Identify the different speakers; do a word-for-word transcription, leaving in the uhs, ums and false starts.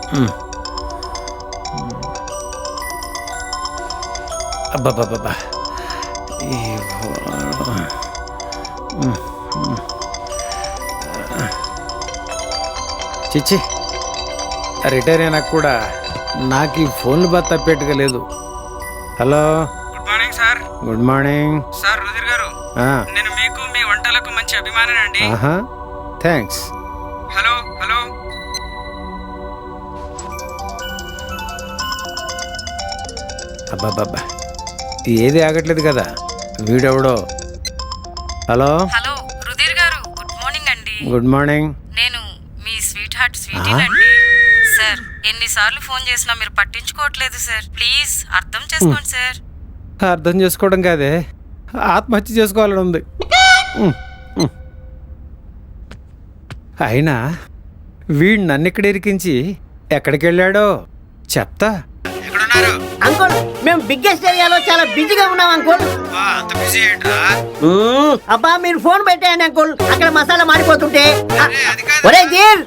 Speaker 1: అబ్బాబ్బాబ్బా చిచ్చి రిటైర్ అయినా కూడా నాకు ఈ ఫోన్లు బాగా తప్పేట్టుగా లేదు. Hello,
Speaker 2: good morning sir.
Speaker 1: Good morning
Speaker 2: sir Rudhir garu, నేను మీకు మీ వంటలకు మంచి అభిమానండి.
Speaker 1: ఆహా, థ్యాంక్స్.
Speaker 2: హలో హలో
Speaker 1: అబ్బాబ్బాబ్బా ఏది ఆగట్లేదు కదా, వీడెవడో. హలో
Speaker 3: హలో రుధిర్ గారు, గుడ్ మార్నింగ్ అండి.
Speaker 1: Good morning.
Speaker 3: నేను మీ స్వీట్ హార్ట్ స్వీటీనండి. సార్ ఎన్నిసార్లు ఫోన్ చేసినా మీరు పట్టించుకోవట్లేదు సార్. ప్లీజ్ అర్థం చేసుకోండి సార్.
Speaker 1: అర్థం చేసుకోవడం కాదే, ఆత్మహత్య చేసుకోవాలని ఉంది. అయినా వీడు నన్ను ఇక్కడ ఇరికించి ఎక్కడికి వెళ్ళాడో చెప్తా.
Speaker 2: ఎక్కడున్నారు
Speaker 4: అంకుల్? మేము బిగ్గెస్ట్ ఏరియాలో చాలా బిజీగా ఉన్నాం అంకుల్.
Speaker 2: అంత బిజీ ఏంట్రా?
Speaker 4: అబ్బా మీరు ఫోన్ పెట్టేయండి అంకుల్, అక్కడ మసాలా మాడిపోతుంటే.
Speaker 2: అది కాదు.
Speaker 4: ఒరే జీర్,